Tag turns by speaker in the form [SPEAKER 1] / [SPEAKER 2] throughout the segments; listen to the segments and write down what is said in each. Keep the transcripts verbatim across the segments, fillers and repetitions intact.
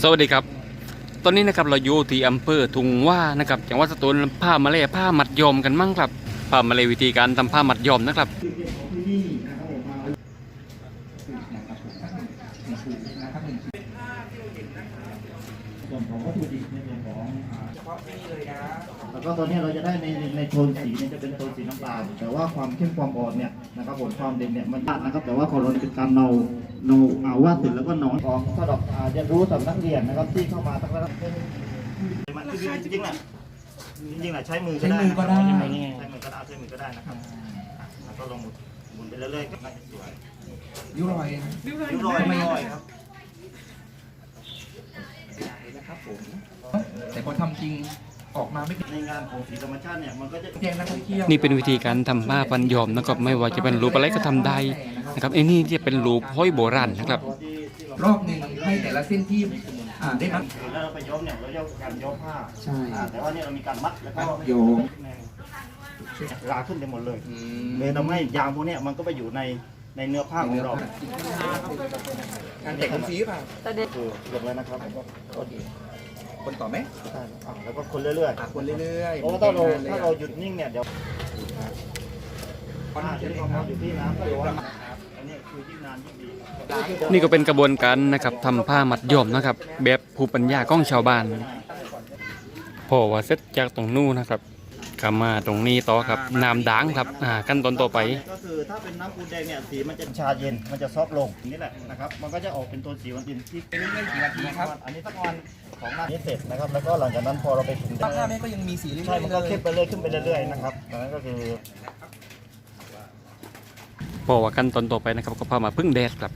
[SPEAKER 1] สวัสดีครับตอนนี้นะครับเราอยู่ที่อำเภอทุงว่านะครับจังหวัดสตูลผ้ามาเล่ผ้ามัดยอมกันมั่งครับผ้ามาเล่วิธีการทำผ้ามัดยอมนะครับ
[SPEAKER 2] ส่วนของวัตถุดิบในส่วนของเฉพาะที่เลยนะแล้วก็ตัวนี้เราจะได้ในในโทนสีเนี่ยจะเป็นโทนสีน้ำตาลแต่ว่าความเข้มความอ่อนเนี่ยนะครับผมความเด่นเนี่ยมันยากนะครับแต่ว่าของเราเป็นการเนาเนาเอาวาดเสร็จแล้วก็นอนของสำหรับเรียนรู้สำนักเรียนนะครับที่เข้ามาตั้งแต่มันจริงจริงๆแหละจริงๆแหละใช้มือก็ได้ใช้มือก็ได้ใช้มือก็ได้ใช้มือก็ได้นะครับแล้วก็ลงหมุนไปเรื่อยๆก็สวยยุ่งลอยยุ่งลอยไม่ลอยครับนะครับผม
[SPEAKER 3] แต่พอทำจริงออกมาไม่เป็น
[SPEAKER 2] ในงานของสีธรรมชาติเนี่ยมันก็จะ
[SPEAKER 3] แจ้งนักท่องเที่ยว
[SPEAKER 1] นี่เป็นวิธีการทำผ้าพันยอมนะครับไม่ว่าจะเป็นรูปอะไรก็ทำได้นะครับไอ้นี่จะเป็นรูปห้อยโบราณนะครับ
[SPEAKER 3] รอบหนึ่งให้แต่ละเส้นที่อ่าได้มัด
[SPEAKER 2] แล้วเราไปย้อมเนี่ยเราเรียกการย้อมผ้า
[SPEAKER 3] ใช่
[SPEAKER 2] แต่ว่าเนี่ยเรามีการมัดแล้วก็
[SPEAKER 3] โยง
[SPEAKER 2] ลาขึ้นไปหมดเลยเลยทำให้ยางพวกนี้มันก็ไปอยู่ในในเนื้อผ้าของเรา
[SPEAKER 3] การแจกคนฟรีป่ะ
[SPEAKER 2] คือเรียบร้อยนะครับ
[SPEAKER 3] คนต่อไหม
[SPEAKER 2] ใช่แล้วก็คนเรื่อย
[SPEAKER 3] ๆคนเรื่อยๆ
[SPEAKER 2] เพราะว่าถ้าเราถ้าเราหยุดนิ่งเนี่ยเดี๋ยวผ้าที่เราอยู่ที่น้ำก็ร้อนอันนี้คือยิ่งนานยิ่งดี
[SPEAKER 1] นี่ก็เป็นกระบวนการนะครับทำผ้ามัดยอมนะครับแบบภูมิปัญญาของชาวบ้านพอว่าเสร็จจากตรงนู้นนะครับกลับมาตรงนี้ต่อครับน้ำด่างครับอ่าขั้นตอนต่อไป
[SPEAKER 2] ก็คือถ้าเป็นน้ำปูนแดงเนี่ยสีมันจะชาเย็นมันจะซอฟลงนี่แหละนะครับมันก็จะออกเป็นตัวสีวันดินที่
[SPEAKER 3] เป็นเรื่องกี่นาทีครับ
[SPEAKER 2] อันนี้สักวันของหน้านี้เสร็จนะครับแล้วก็หลังจากนั้นพอเราไปถึง
[SPEAKER 3] ผ้าแม่ก็ยังมีสีเรื่อยๆ
[SPEAKER 2] ใช่มันก็เข้มไปเรื่อยขึ้นไปเรื่อยๆนะครับดังนั้นก็คือ
[SPEAKER 1] พอว่าขั้นตอนต่อไปนะครับก็พามาพึ่งแดดครับ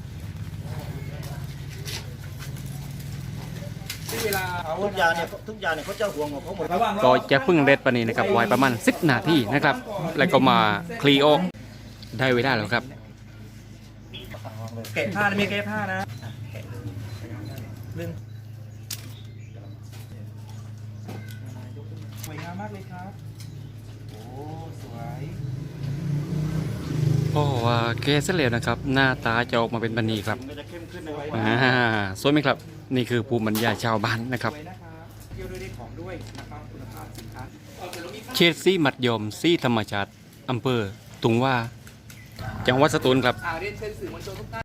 [SPEAKER 2] ทุกอย่างเนี่ยทุกอย่างเนี่ยเขาจะห่วงของเขาหมด
[SPEAKER 1] ก็จะพึ่งแดดปนี้นะครับไว้ประมาณสิบนาทีนะครับแล้วก็มาคลีโอได้เวลาแล้วครับ
[SPEAKER 3] แกะผ้าไม่แกะผ้านะเรื่องสวยงามมากเลยครับโอ้สวย
[SPEAKER 1] เพราะว่าแกะเสร็จแล้วนะครับหน้าตาจะออกมาเป็นแบบนี้ครับอ่าสวยไหมครับนี่คือภูมิปัญญาชาวบ้านนะครับเขตซีมัดยอมซีธรรมชาติอำเภอตุงว่าจังหวัดสตูลครับ